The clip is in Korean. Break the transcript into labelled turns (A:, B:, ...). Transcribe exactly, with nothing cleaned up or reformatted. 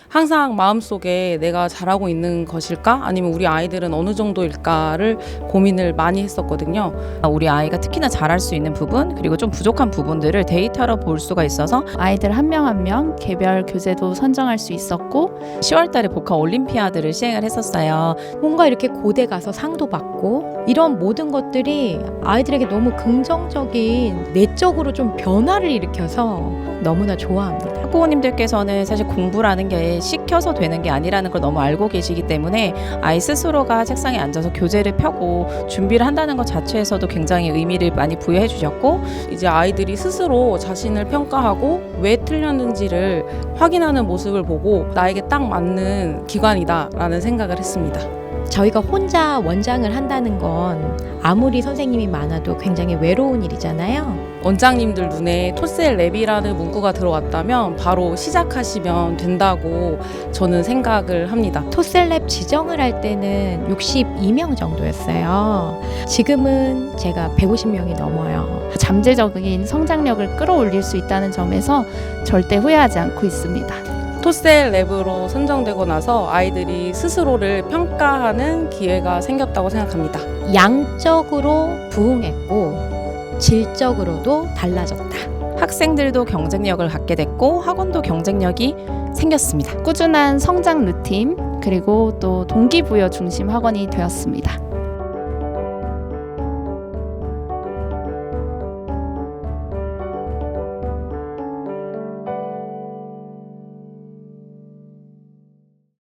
A: 항상 마음속에 내가 잘하고 있는 것일까? 아니면 우리 아이들은 어느 정도일까를 고민을 많이 했었거든요.
B: 우리 아이가 특히나 잘할 수 있는 부분 그리고 좀 부족한 부분들을 데이터로 볼 수가 있어서
C: 아이들 한 명 한 명 개별 교재도 선정할 수 있었고
B: 시월 달에 복합 올림피아드를 시행을 했었어요.
D: 뭔가 이렇게 고대 가서 상도 받고 이런 모든 것들이 아이들에게 너무 긍정적인 내적으로 좀 변화를 일으켜서 너무나 좋아합니다.
B: 학부모님들께서는 사실 공부라는 게 시켜서 되는 게 아니라는 걸 너무 알고 계시기 때문에 아이 스스로가 책상에 앉아서 교재를 펴고 준비를 한다는 것 자체에서도 굉장히 의미를 많이 부여해 주셨고,
A: 이제 아이들이 스스로 자신을 평가하고 왜 틀렸는지를 확인하는 모습을 보고 나에게 딱 맞는 기관이다라는 생각을 했습니다.
D: 저희가 혼자 원장을 한다는 건 아무리 선생님이 많아도 굉장히 외로운 일이잖아요.
A: 원장님들 눈에 토셀 랩이라는 문구가 들어왔다면 바로 시작하시면 된다고 저는 생각을 합니다.
D: 토셀랩 지정을 할 때는 육십이 명 정도였어요. 지금은 제가 백오십 명이 넘어요.
C: 잠재적인 성장력을 끌어올릴 수 있다는 점에서 절대 후회하지 않고 있습니다.
A: 토셀 랩으로 선정되고 나서 아이들이 스스로를 평가하는 기회가 생겼다고 생각합니다.
D: 양적으로 부응했고 질적으로도 달라졌다.
B: 학생들도 경쟁력을 갖게 됐고 학원도 경쟁력이 생겼습니다.
C: 꾸준한 성장 루틴 그리고 또 동기부여 중심 학원이 되었습니다.